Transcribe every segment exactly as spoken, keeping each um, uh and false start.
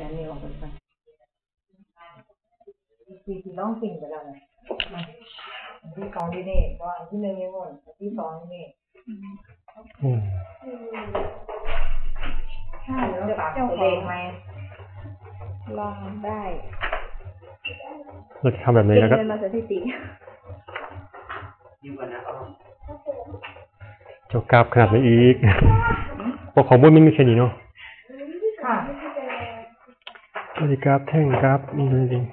อันนี้ออกไปก่อนที่ที่ร้องสิ่งไปแล้วนะอันที่สองที่นี่ก็อันที่หนึ่งยังหมดอันที่สองนี่อืมใช่แล้วปากตัวเด็กไหมลองได้เราจะทำแบบนี้แล้วก็เป็นมาสถิติเจ้ากราฟขนาดไหนอีกพวกของบุญมันมีแค่นี้เนาะค่ะบริกราฟแท่งกราฟนี่จริง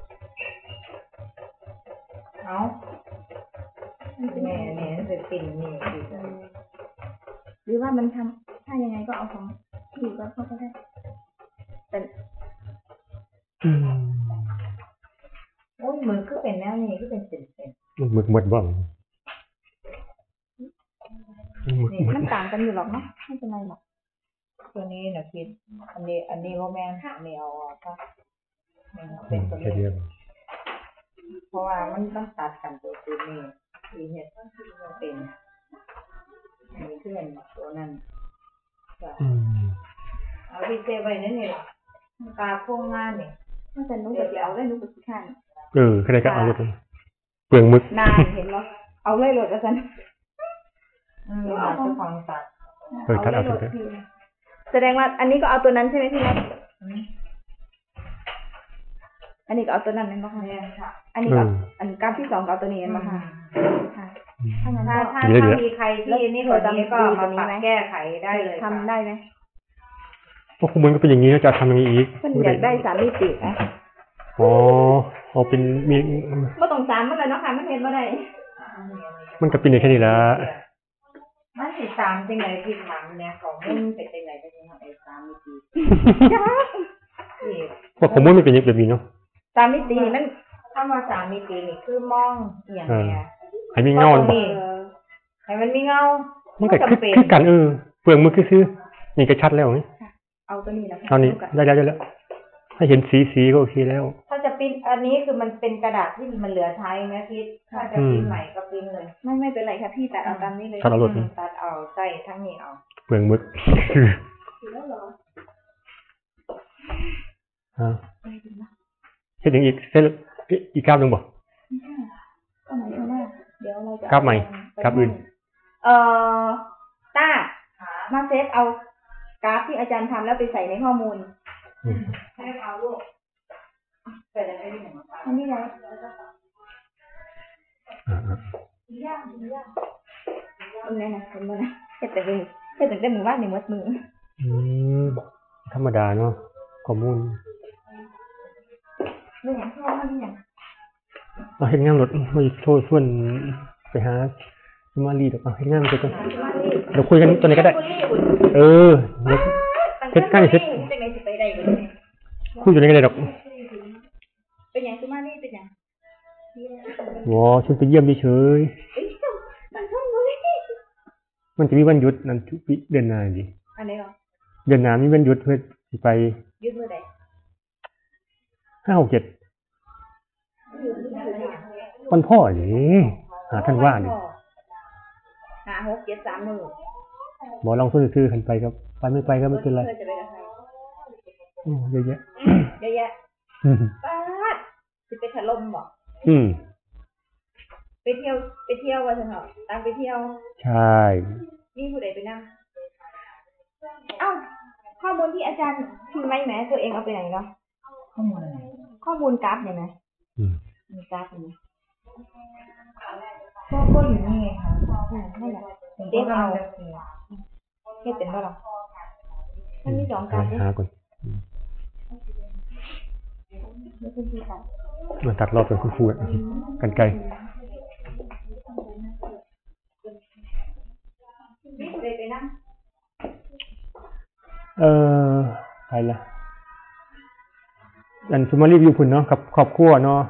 เอาแม่เนี่ยจะปิ่นนี่หรือว่ามันทำถ้ายังไงก็เอาของที่ก็เข้าก็ได้แต่อืมโอ้ยมือก็เป็นแนวนี้ก็เป็นเป็นเป็นหมึกหมดบ้างมันต่างกันอยู่หรอกเนาะไม่เป็นไรหรอกตัวนี้นะคิดอันนี้อันนี้โรแมนอันนี้เอาค่ะเป็นตัวนี้เพราะว่ามันต้องตัดกันตัวตัวนี้อีเห็ดเป็นอันนี้คือเป็นตัวนั้นเอาพิเศษไว้นั่นนี่แหละตาโค้งงานเนี่ยมันจะนุ่งกับเดียวได้นุ่งกับสีข้างเออใครก็เอาเลยเปลืองมึกนานเห็นไหมเอาเลยหลดแล้วกันอืมเอาตัวของตัดเออตัดเอาตัวแสดงว่าอันนี้ก็เอาตัวนั้นใช่ไหมพี่นัทอันนี้ก็เอาตัวนั้นนั่นป่ะคะอันนี้ก็อันกราฟที่สองก็เอาตัวนี้นั่นป่ะคะถ้าถ้าถ้ามีใครที่นี่ตัวนี้ก็มาปรับแก้ไขได้เลยทำได้ไหมพวกคุณมันก็เป็นอย่างนี้จะทำยังไงอีกมันอยากได้สามมิติอ่ะอ๋อเอาเป็นมีไม่ต้องสามมันเลยเนาะค่ะไม่เห็นว่าได้มันก็เป็นอย่างแค่นี้ละมันสิสามจริงไหนที่ถามเนี่ยของมึงเป็นจริงไหนจะยังไงสามมิติพวกผมไม่เป็นอย่างแบบนี้เนาะสามมิติมันถ้ามาสามมิตินี่คือมองอย่างเนี้ยให้มีเงาให้มันมีเงามันก็คือกันเออเปลืองมือซื้อนี่ก็ชัดแล้วนี่เอาตัวนี้แล้วเอานี้ได้แล้วได้แล้วให้เห็นสีสีก็โอเคแล้วถ้าจะปิ้นอันนี้คือมันเป็นกระดาษที่มันเหลือใช้ไหมพี่ถ้าจะปิ้นใหม่ก็ปิ้นเลยไม่ไม่เป็นไรค่ะพี่ตัดเอาตามนี้เลยตัดเอาหลดตัดเอาใส่ทั้งนี้เอาเปลืองมือฮะเห็นอย่างอีกเส้นอีกกราฟหนึ่งบ่ก็หมายถึงว่าเดี๋ยวเราจะกราฟใหม่กราฟอื่นเอ่อต้ามาเซฟเอากราฟที่อาจารย์ทำแล้วไปใส่ในข้อมูลให้เอาลูกใส่ได้ไหมอันนี้ไงยากยากตรงนี้นะเห็นไหมนะแค่แต่เป็นแค่แต่ได้มือว่าหนึ่งมัดมืออืมธรรมดาเนาะข้อมูลเรื่องอย่างที่ว่าที่อย่างเอาเห็นงานรถไม่โทษส่วนไปหามาลีดอกเอาเห็นงานมันจะกันเราคุยกันตัวนี้ก็ได้เออเฮ็ดใกล้เฮ็ดคุยอยู่ในกันได้ดอกเป็นอย่างซุมาลีเป็นอย่างว้าฉันไปเยี่ยมเฉยมันจะมีวันหยุดนั่นทุกปีเดือนหน้าดิอันไหนหรอเดือนหน้ามีวันหยุดเพื่อไปหยุดเมื่อใดห้าหกเจ็ดวันพ่อดิหาท่านว่าดิห้าหกเจ็ดสามหนึ่งหมอลองซื้อๆกันไปครับไปไม่ไปก็ไม่เป็นไรโอ้เยอะแยะเยอะแยะป้าดจะไปถล่มบ่อืมไปเที่ยวไปเที่ยววันเถอะตามไปเที่ยวใช่นี่ผู้ใดไปนั่งเอ้าข้อมูลที่อาจารย์พิมพ์ไว้ไหมตัวเองเอาไปไหนเนาะข้อมูลอะไรข้อมูลกราฟเนี่ยไหมอืมมีกราฟไหมก็ก็อยู่นี่ไงค่ะนั่นแหละเด็กเอาแค่เป็นว่าหรอมันมีสองกราฟหาก่อนมาตัดรอบเป็นคู่ๆกันไกลเออใครล่ะอันสมารีวิวคุณเนาะกับครอบครัวเนาะ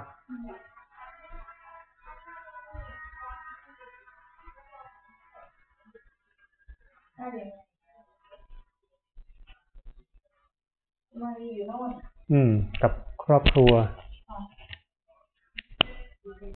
อืมกับครอบครัว